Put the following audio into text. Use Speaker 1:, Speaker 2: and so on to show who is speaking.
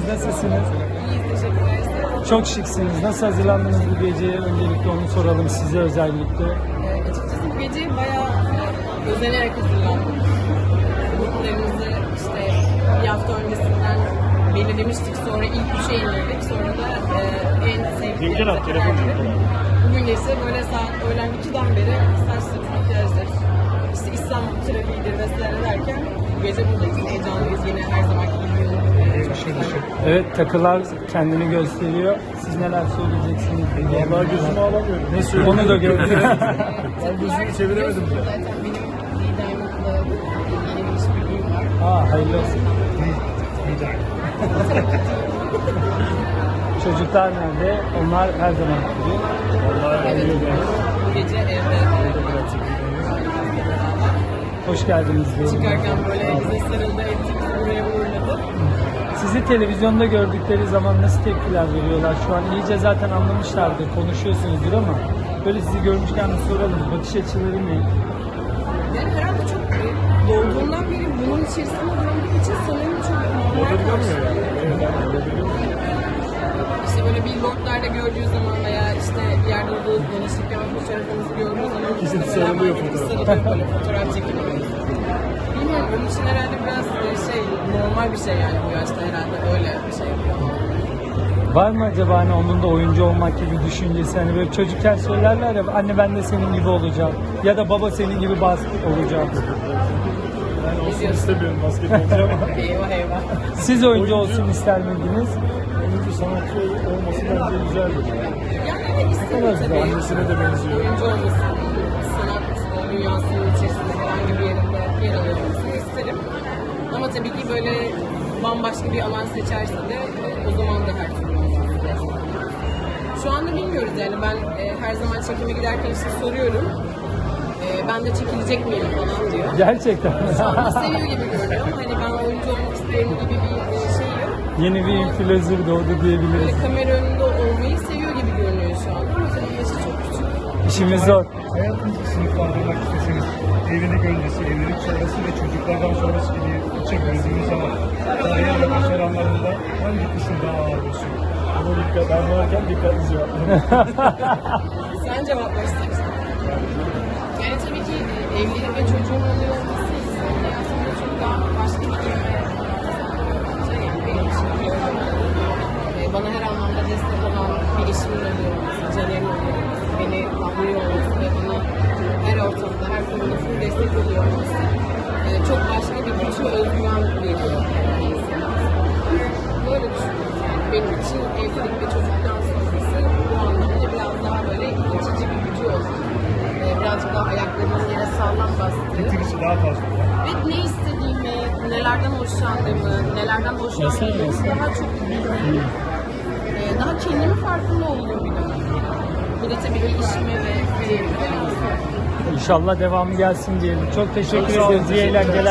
Speaker 1: Nasılsınız?
Speaker 2: İyiyiz, teşekkürler.
Speaker 1: Çok şıksınız. Nasıl hazırlandınız bu geceye? Öncelikle onu soralım size özellikle.
Speaker 2: Açıkçası bu gece bayağı özenerek hazırlandım. Gruplarımızı işte bir hafta öncesinden belirlemiştik. Sonra ilk üçe indirdik. Sonra da en sevdiklerimize karar verdik. Bugün gece böyle saat öğlen 2'den beri saçları, makyajlar, işte İstanbul trafiğidir vesaire derken bu gece buradayız. Heyecanlıyız yine her zamanki gibi.
Speaker 1: Evet, takılar kendini gösteriyor. Siz neler söyleyeceksiniz?
Speaker 3: Vallahi gözümü alamıyorum. Ne söyleyeyim?
Speaker 1: Onu da gördüm.
Speaker 3: Ben gözümü çeviremedim bile.
Speaker 2: Zaten benim liderimle yeni bir işbirliğim var.
Speaker 1: Hayırlı olsun. Çocuklar nerede? Onlar her zaman gidiyor.
Speaker 2: Evet, bu gece evde
Speaker 1: Hoş geldiniz diyelim.
Speaker 2: çıkarken böyle bize sarıldı, ettik, buraya uğurladı.
Speaker 1: Sizi televizyonda gördükleri zaman nasıl tepkiler veriyorlar? Şu an iyice zaten anlamışlardır, konuşuyorsunuzdur ama böyle sizi görmüşken bir soralım. Bakış açıları ne?
Speaker 2: Yani herhalde çok doğduğundan beri bunun içerisinde döndüğü için sanırım çok normal karşılıyor. İşte böyle billboardlarda gördüğü zaman veya işte bir yerde olduğu danışırken fotoğrafımızı gördüğü zaman
Speaker 3: Kesin
Speaker 2: işte
Speaker 3: sarılıyor
Speaker 2: hemen
Speaker 3: fotoğraf.
Speaker 2: sarılıyor böyle fotoğraf çekiliyor. Bilmiyorum, onun için herhalde biraz normal bir şey yani bu yaşta herhalde öyle bir şey yapıyor.
Speaker 1: Var mı acaba hani onun da oyuncu olmak gibi düşüncesi? Hani böyle çocukken söylerler ya, anne ben de senin gibi olacağım ya da baba senin gibi basket olacağım.
Speaker 3: Ben olsun istemiyorum basketbolcu ama
Speaker 2: Eyvah eyvah.
Speaker 1: Siz oyuncu olsun ister miydiniz?
Speaker 3: oyuncu sanatçı olması bence güzeldir.
Speaker 2: Yani evet istedim tabii.
Speaker 3: Annesine de benziyor.
Speaker 2: Oyuncu olması, sanat dünyasının içerisinde herhangi bir yerinde yer alıyor olmasını isterim. Ama tabii ki böyle bambaşka bir alan seçerse de o zaman da her türlü olması lazım. Şu anda bilmiyoruz yani ben her zaman çekime giderken işte soruyorum. Ben de çekilecek miyim falan diyor.
Speaker 1: Gerçekten.
Speaker 2: Şu anda seviyor gibi görünüyor. Hani ben oyuncu olmak isterim gibi bir şey yok.
Speaker 1: Yeni bir influencer doğdu diyebiliriz.
Speaker 2: Böyle kamera önünde olmayı seviyor gibi görünüyor şu anda. Ama tabii yaşı çok küçük.
Speaker 1: İşimiz zor.
Speaker 3: Hayatınızı sınıflandırmak isteseniz evlilik öncesi, evlilik sonrası ve çocuklardan sonrası gibi içe böldüğünüz zaman kariyer ve başaranlarında hangi kısım daha ağır basıyor? Ama dikkat, ben varken dikkatli cevap verin.
Speaker 2: Sen cevaplar istersen. Yani tabii ki evlilik ve çocuğun oluyor olması insanın hayatında çok daha başka bir yere şey yani benim için bana her anlamda destek olan bir eşimin oluyor olması, Caner'in oluyor olması, beni anlıyor olması ve bana her ortamda, her konuda full destek oluyor olması çok başka bir güç ve özgüven veriyor insana. Böyle düşünüyorum yani. Benim için evlilik ve çocuktan sonrası bu anlamda biraz daha böyle itici bir gücü olan, birazcık daha ayaklarımın yere sağlam bastığı
Speaker 3: Getirisi daha fazla.
Speaker 2: ve ne istediğimi, nelerden hoşlandığımı, nelerden hoşlanmadığımı daha çok bildiğim, daha kendimi farkında olduğum bir dönem. Bu da tabii ki işime ve kariyerime de yansıyor.
Speaker 1: İnşallah devamı gelsin diyelim. Çok teşekkür
Speaker 3: Çok sağ olun,
Speaker 1: ederiz. İyi
Speaker 3: teşekkürler.
Speaker 1: eğlenceler.